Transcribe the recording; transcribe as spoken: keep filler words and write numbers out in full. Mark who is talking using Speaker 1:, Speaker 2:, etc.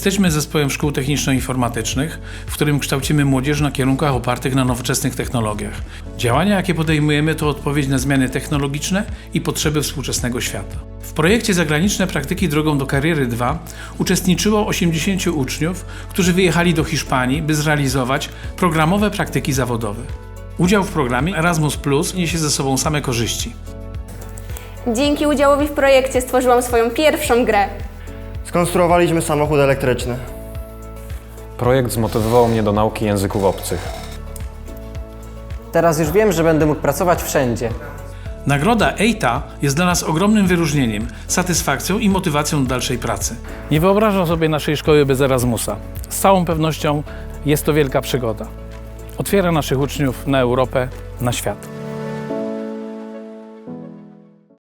Speaker 1: Jesteśmy zespołem szkół techniczno-informatycznych, w którym kształcimy młodzież na kierunkach opartych na nowoczesnych technologiach. Działania, jakie podejmujemy, to odpowiedź na zmiany technologiczne i potrzeby współczesnego świata. W projekcie Zagraniczne praktyki drogą do kariery dwa uczestniczyło osiemdziesięciu uczniów, którzy wyjechali do Hiszpanii, by zrealizować programowe praktyki zawodowe. Udział w programie Erasmus Plus niesie ze sobą same korzyści.
Speaker 2: Dzięki udziałowi w projekcie stworzyłam swoją pierwszą grę.
Speaker 3: Skonstruowaliśmy samochód elektryczny.
Speaker 4: Projekt zmotywował mnie do nauki języków obcych.
Speaker 5: Teraz już wiem, że będę mógł pracować wszędzie.
Speaker 1: Nagroda E I T A jest dla nas ogromnym wyróżnieniem, satysfakcją i motywacją do dalszej pracy. Nie wyobrażam sobie naszej szkoły bez Erasmusa. Z całą pewnością jest to wielka przygoda. Otwiera naszych uczniów na Europę, na świat.